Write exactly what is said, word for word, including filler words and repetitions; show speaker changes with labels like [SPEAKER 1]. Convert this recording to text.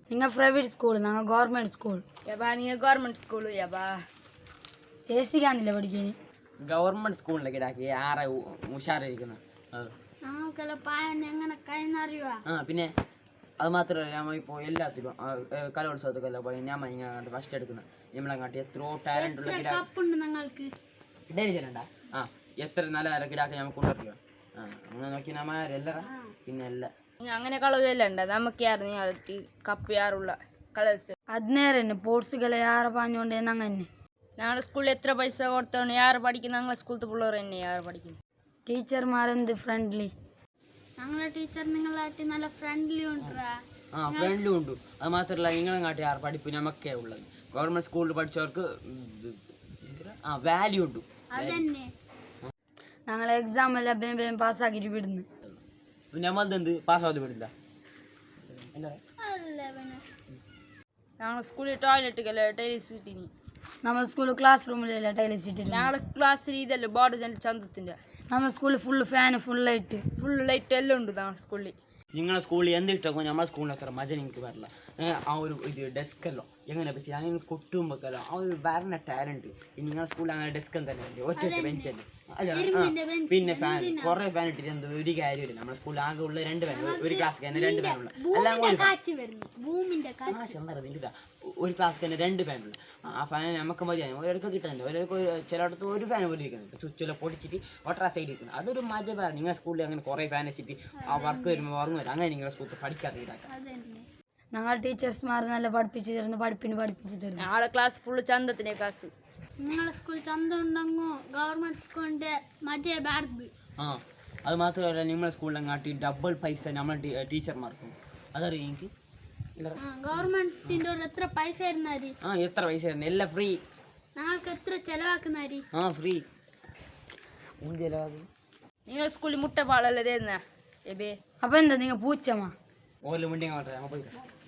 [SPEAKER 1] നിങ്ങൾ private school, ഞങ്ങൾ government school.
[SPEAKER 2] യബാ നിങ്ങൾ ഗവൺമെൻറ് സ്കൂൾ യബാ
[SPEAKER 1] എ സി കാണില്ല പഠിക്കാൻ.
[SPEAKER 3] ഗവൺമെൻറ് സ്കൂളിലേക്ക് ഇടാക്കി ആരെ ഉഷാറായിരിക്കുന്നത്. ആ പിന്നെ അത് മാത്രമല്ല, നമ്മൾ ഇപ്പോൾ എല്ലാത്തിലും കലോത്സവത്തൊക്കെ പോയി ഞാൻ ഇങ്ങനെ ഫസ്റ്റ് എടുക്കുന്നത് നമ്മളങ്ങാട്ടി എത്രയോ ടാലൻ്റ് ഉള്ള കിടാ ആ എത്ര നല്ല നല്ല കിടാക്കി നമുക്ക് കൊണ്ടുവരിക. ആ അങ്ങനെ നോക്കി നമ്മരെല്ലാം പിന്നെ എല്ലാം
[SPEAKER 2] അങ്ങനെ കളവെല്ലാം ഉണ്ട്. നമുക്ക് ആയിരുന്നു കപ്പ് യാറുള്ള കളേഴ്സ്
[SPEAKER 1] ಹದಿನೇರನ್ನು ಸ್ಪೋರ್ಟ್ಸ್ಗೆಲ್ಲ ಯಾರು ಪಾಂಜೋಂಡೆ ನಂಗನ್ನೆ
[SPEAKER 2] ഞങ്ങളുടെ സ്കൂളിൽ എത്ര പൈസ കൊടുത്തോണ്ട് യാറ് പഠിക്കുന്നത്? ഞങ്ങളെ സ്കൂളത്തെ പിള്ളേർ തന്നെ യാറ് പഠിക്കുന്നത്.
[SPEAKER 1] ടീച്ചർമാരെന്ത് ഫ്രണ്ട്ലി.
[SPEAKER 4] ഞങ്ങളെ ടീച്ചർ നിങ്ങളായിട്ട് നല്ല ഫ്രണ്ട്ലി ഉണ്ടാ.
[SPEAKER 3] ആ ഫ്രണ്ട്ലി ഉണ്ട്. അത് മാത്രമല്ല നിങ്ങളെ കാട്ടി ആറ് പഠിപ്പ് നമുക്കേ ഉള്ളത്. ഗവൺമെൻറ് സ്കൂളിൽ പഠിച്ചവർക്ക് ആ വാല്യൂ ഉണ്ട്.
[SPEAKER 4] അതന്നെ
[SPEAKER 1] ഞങ്ങൾ എക്സാം എല്ലാം വേഗം വേഗം പാസ്സാക്കിയിട്ട് വിടുന്നു.
[SPEAKER 3] നമ്മളെന്ത് പാസ്സാവാതെ വിടില്ല.
[SPEAKER 2] ഞങ്ങളുടെ സ്കൂളിൽ ടോയ്ലറ്റിക്കല്ല ടൈൽസ് കിട്ടിനി.
[SPEAKER 1] ನಮ್ಮ ಸ್ಕೂಲ್ ಕ್ಲಾಸ್ ರೂಮಲ್ಲೆಲ್ಲ ಟೈಲ್ಸ್ ಇಟ್ಟಿದ್ದೀವಿ.
[SPEAKER 2] ഞങ്ങളുടെ ക്ലാസ്സിൽ ഇതല്ല ബോർഡ് ചന്തത്തിൻ്റെ.
[SPEAKER 1] ನಮ್ಮ school full fan full light
[SPEAKER 2] full light എല്ലാം ഉണ്ട് ഞങ്ങളുടെ സ്കൂളിൽ.
[SPEAKER 3] നിങ്ങളെ സ്കൂളിൽ എന്ത് ഇട്ടോ നമ്മുടെ സ്കൂളിൽ അത്ര മജ എനിക്ക് വരില്ല. ആ ഒരു ഇത് ഡെസ്കല്ലോ എങ്ങനെ വെച്ചാൽ അങ്ങനെ കൊട്ടുമ്പോഴല്ലോ ആ ഒരു വരണ ടാലൻറ്റ്. നിങ്ങളെ സ്കൂളിൽ അങ്ങനെ ഡെസ്ക് തന്നെ അല്ലേ, ഒറ്റ ബെഞ്ചല്ലേ. അല്ല പിന്നെ ഫാൻ കുറേ ഫാൻ ഇട്ടിട്ട് എന്ത് ഒരു കാര്യമില്ല. നമ്മുടെ സ്കൂളിൽ ആകെ ഉള്ള രണ്ട് ഫാൻ, ഒരു ക്ലാസ് തന്നെ രണ്ട് ഫാനുള്ള എല്ലാം ഒരു ക്ലാസ് തന്നെ രണ്ട് ഫാനുള്ള ആ ഫാൻ നമുക്ക് മതിയാണ്. ഒരിടക്ക് കിട്ടുന്നുണ്ട്, ഒരിടക്ക് ചിലയിടത്ത് ഒരു ഫാൻ പോലും ഇരിക്കുന്നുണ്ട്. സ്വിച്ചെല്ലാം പൊടിച്ചിട്ട് ഒട്ടറ സൈഡ് ഇരിക്കുന്നത്. അതൊരു മജ വേറെ. നിങ്ങളുടെ സ്കൂളിൽ അങ്ങനെ കുറേ ഫാൻ വെച്ചിട്ട് ആ വർക്ക് വരുമ്പോൾ ഉറങ്ങും വരും. അങ്ങനെ നിങ്ങളുടെ സ്കൂളിൽ പഠിക്കാത്ത ഇതാക്കാം.
[SPEAKER 1] ഞങ്ങൾ ടീച്ചേഴ്സ്മാർ നല്ല പഠിപ്പിച്ചു തരുന്നു, പഠിപ്പിന് പഠിപ്പിച്ചു തരുന്നു.
[SPEAKER 2] ഞങ്ങളുടെ ക്ലാസ് ഫുള്ള് ചന്തത്തിൻ്റെ ക്ലാസ്.
[SPEAKER 4] നിങ്ങളെ സ്കൂൾ ചന്ത ഉണ്ടെങ്കോ ഗവൺമെന്റ് സ്കൂളിന്റെ മജ ബാർബ്.
[SPEAKER 3] ആ അത് മാത്രമല്ല നിങ്ങളുടെ സ്കൂളിലെ കാട്ടി ഡബിൾ പൈസ നമ്മളെ ടീച്ചർമാർക്കും അതറിയാം എനിക്ക്.
[SPEAKER 4] ഗവൺമെന്റിന്റെ എത്ര പൈസ തരുന്നാരി?
[SPEAKER 3] ആ എത്ര പൈസ തരുന്നത്? എല്ലാം ഫ്രീ.
[SPEAKER 4] ഞങ്ങൾക്ക് എത്ര ചെലവാക്കുന്നാരി?
[SPEAKER 3] ആ ഫ്രീ. ചെലവാക്കും.
[SPEAKER 2] നിങ്ങളുടെ സ്കൂളിൽ മുട്ട പാളല്ലേ തരുന്ന എബേ?
[SPEAKER 1] അപ്പൊ എന്താ നിങ്ങൾ പൂച്ചമാ
[SPEAKER 3] ഓരോ മുണ്ടി അങ്ങോട്ട് പോയി.